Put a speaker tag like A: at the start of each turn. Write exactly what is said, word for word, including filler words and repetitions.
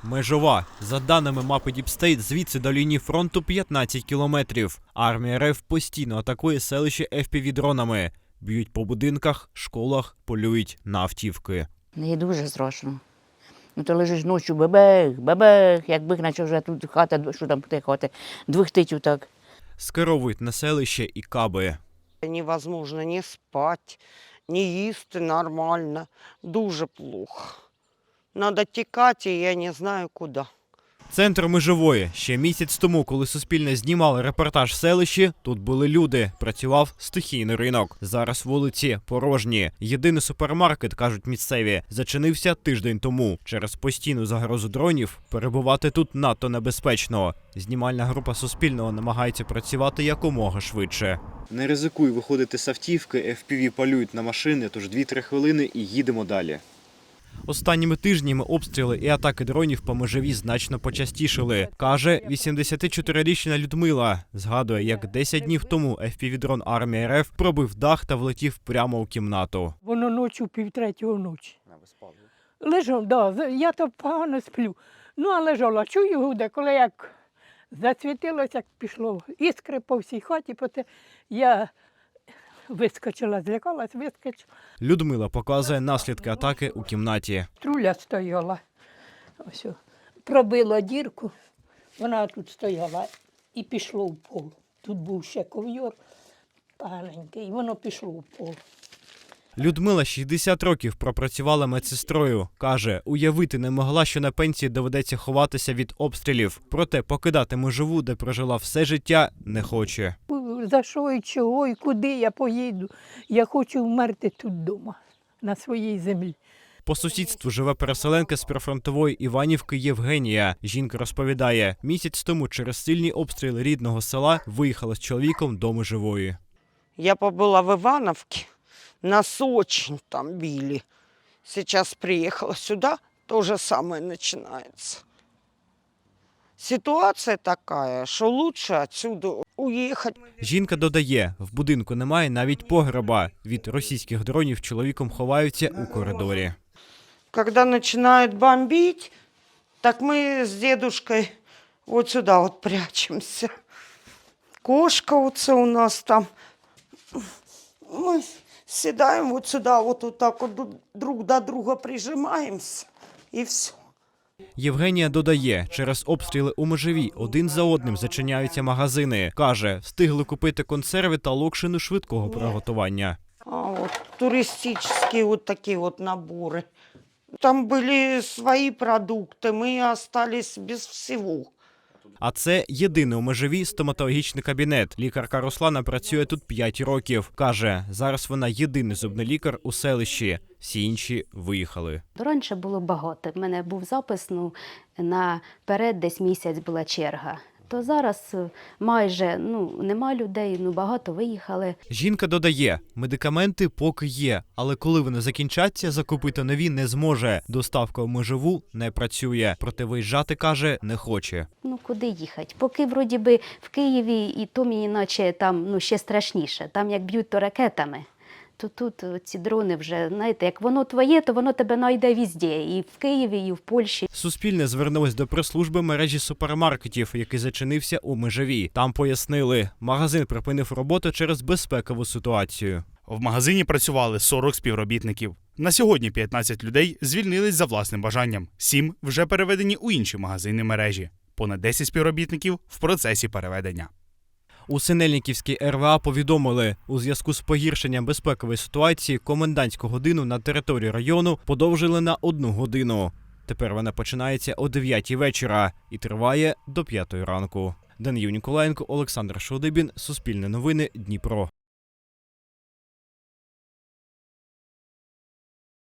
A: Межова. За даними мапи Діпстейт, звідси до лінії фронту п'ятнадцять кілометрів. Армія РФ постійно атакує селище еф пі ві-дронами. Б'ють по будинках, школах, полюють на автівки.
B: Не дуже страшно. Ну, то лежиш ночі, бабех, бабех, якби наче вже тут хата, що там те хати, двохтить так.
A: Скеровують на селище і каби.
C: Невозможно ні спати, ні їсти нормально. Дуже плохо. Надо тікати, і я не знаю куди.
A: Центр Межової. Ще місяць тому, коли Суспільне знімало репортаж в селищі, тут були люди. Працював стихійний ринок. Зараз вулиці порожні. Єдиний супермаркет, кажуть місцеві, зачинився тиждень тому. Через постійну загрозу дронів перебувати тут надто небезпечно. Знімальна група Суспільного намагається працювати якомога швидше. Не ризикуй виходити з автівки, еф пі ві полюють на машини, тож дві-три хвилини і їдемо далі. Останніми тижнями обстріли і атаки дронів по Межовій значно почастішили, каже вісімдесятичотирирічна Людмила. Згадує, як десять днів тому еф пі ві-дрон армії РФ пробив дах та влетів прямо у кімнату.
D: Воно ночі, півтретього ночі. Лежав, да, я то погано сплю. Ну, а лежала, чую гуде, коли як засвітилося, як пішло іскри по всій хаті, поте я вискочила, злякалась, вискочила.
A: Людмила показує наслідки атаки у кімнаті.
D: Труля стояла, ось, о, пробила дірку, вона тут стояла і пішло в пол. Тут був ще ковйор поганенький, і воно пішло в пол.
A: Людмила шістдесят років пропрацювала медсестрою. Каже, уявити не могла, що на пенсії доведеться ховатися від обстрілів. Проте покидати Межову, де прожила все життя, не хоче.
D: За що і чого, і куди я поїду? Я хочу вмерти тут вдома, на своїй землі.
A: По сусідству живе переселенка з прифронтової Іванівки Євгенія. Жінка розповідає, місяць тому через сильні обстріли рідного села виїхала з чоловіком до Межової.
C: Я побула в Ивановке, нас очень там били. Сейчас приехала сюда, то же самое начинается. Ситуация такая, что лучше отсюда уехать.
A: Жінка додає, в будинку немає навіть погреба. Від російських дронів чоловіком ховаються у коридорі.
C: Когда начинают бомбить, так мы с дедушкой вот сюда вот прячемся. Кошка вот це у нас там. Мы седаем вот сюда, вот, вот так вот друг до друга прижимаемся, и все.
A: Євгенія додає, через обстріли у Межовій один за одним зачиняються магазини. Каже, встигли купити консерви та локшину швидкого приготування.
C: А вот туристические вот такие вот наборы. Там были свои продукты, мы остались без всего.
A: А це єдиний у Межовій стоматологічний кабінет. Лікарка Руслана працює тут п'ять років. Каже, зараз вона єдиний зубний лікар у селищі. Всі інші виїхали.
E: Раніше було багато. У мене був запис, ну, наперед десь місяць була черга. То зараз майже ну, нема людей, ну, багато виїхали.
A: Жінка додає, медикаменти поки є, але коли вони закінчаться, закупити нові не зможе. Доставка в Межову не працює, проте виїжджати, каже, не хоче.
E: Ну, куди їхати? Поки, вроді би, в Києві, і то мені наче там ну, ще страшніше. Там як б'ють то ракетами. То тут ці дрони вже, знаєте, як воно твоє, то воно тебе знайде везде. І в Києві, і в Польщі.
A: Суспільне звернулось до прес-служби мережі супермаркетів, який зачинився у Межовій. Там пояснили, магазин припинив роботу через безпекову ситуацію.
F: В магазині працювали сорок співробітників. На сьогодні п'ятнадцять людей звільнились за власним бажанням. сім вже переведені у інші магазини мережі. Понад десять співробітників в процесі переведення.
A: У Синельниківській ер ве а повідомили, у зв'язку з погіршенням безпекової ситуації комендантську годину на території району подовжили на одну годину. Тепер вона починається о дев'ятій вечора і триває до п'ятої ранку. Даниїл Ніколаєнко, Олександр Шодибін, Суспільне новини, Дніпро.